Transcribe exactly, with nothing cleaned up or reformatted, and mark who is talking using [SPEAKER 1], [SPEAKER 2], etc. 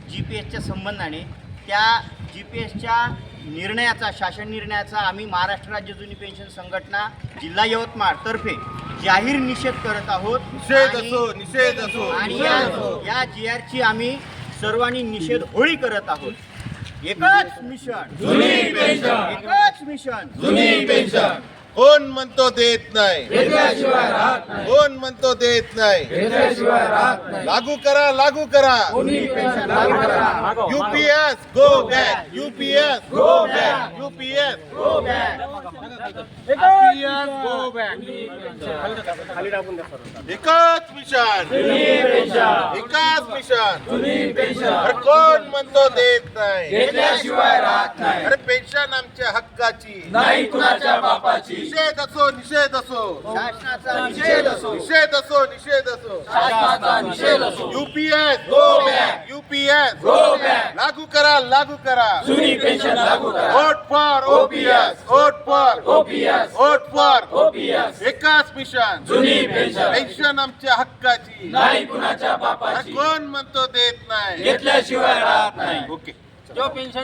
[SPEAKER 1] G P एसच्या संबंधाने त्या G P एसच्या निर्णयाचा शासन निर्णयाचा आम्ही महाराष्ट्र राज्य जुनी पेन्शन संघटना जिल्हा यवतमाळ तर्फे जाहीर निषेध करत आहोत।
[SPEAKER 2] निषेध असो निषेध असो
[SPEAKER 1] आणि या या जी आरची आम्ही सर्वांनी निषेध होळी करत आहोत। एकच मिशन
[SPEAKER 3] जुनी पेन्शन,
[SPEAKER 1] एकच मिशन
[SPEAKER 3] जुनी पेन्शन
[SPEAKER 2] कोण म्हणतो देत नाही,
[SPEAKER 3] घेतल्याशिवाय राहत नाही,
[SPEAKER 2] कोण म्हणतो देत नाही,
[SPEAKER 3] घेतल्याशिवाय राहत नाही,
[SPEAKER 2] लागू करा लागू करा
[SPEAKER 3] जुनी पेन्शन लागू करा,
[SPEAKER 2] UPS go back, UPS go back, UPS
[SPEAKER 1] go back,
[SPEAKER 2] go back. एकच मिशन,
[SPEAKER 3] जुनी पेन्शन,
[SPEAKER 2] एकच मिशन,
[SPEAKER 3] जुनी पेन्शन
[SPEAKER 2] अरे कोण म्हणतो देत नाही,
[SPEAKER 3] घेतल्याशिवाय राहत नाही,
[SPEAKER 2] अरे पेन्शन आमच्या हक्काची,
[SPEAKER 3] नाही कुणाच्या बापाची,
[SPEAKER 2] निषेध असो निषेध असो
[SPEAKER 1] शासनाचा निषेध असो,
[SPEAKER 2] निषेध असो निषेध असो
[SPEAKER 3] शासनाचा निषेध असो,
[SPEAKER 2] UPS
[SPEAKER 3] go back,
[SPEAKER 2] UPS
[SPEAKER 3] go back,
[SPEAKER 2] लागू करा लागू करा
[SPEAKER 3] जुनी पेन्शन लागू करा,
[SPEAKER 2] vote for OPS, vote for
[SPEAKER 3] OPS,
[SPEAKER 2] vote for
[SPEAKER 3] OPS,
[SPEAKER 2] एकच मिशन,
[SPEAKER 3] जुनी पेन्शन,
[SPEAKER 2] पेन्शन आमच्या हक्काची,
[SPEAKER 3] नाही कुणाच्या
[SPEAKER 2] अरे
[SPEAKER 3] बापाची,
[SPEAKER 2] कोण म्हणतो देत नाही,
[SPEAKER 3] घेतल्याशिवाय राहत नाही।
[SPEAKER 2] ओके।
[SPEAKER 1] जो पेन्शन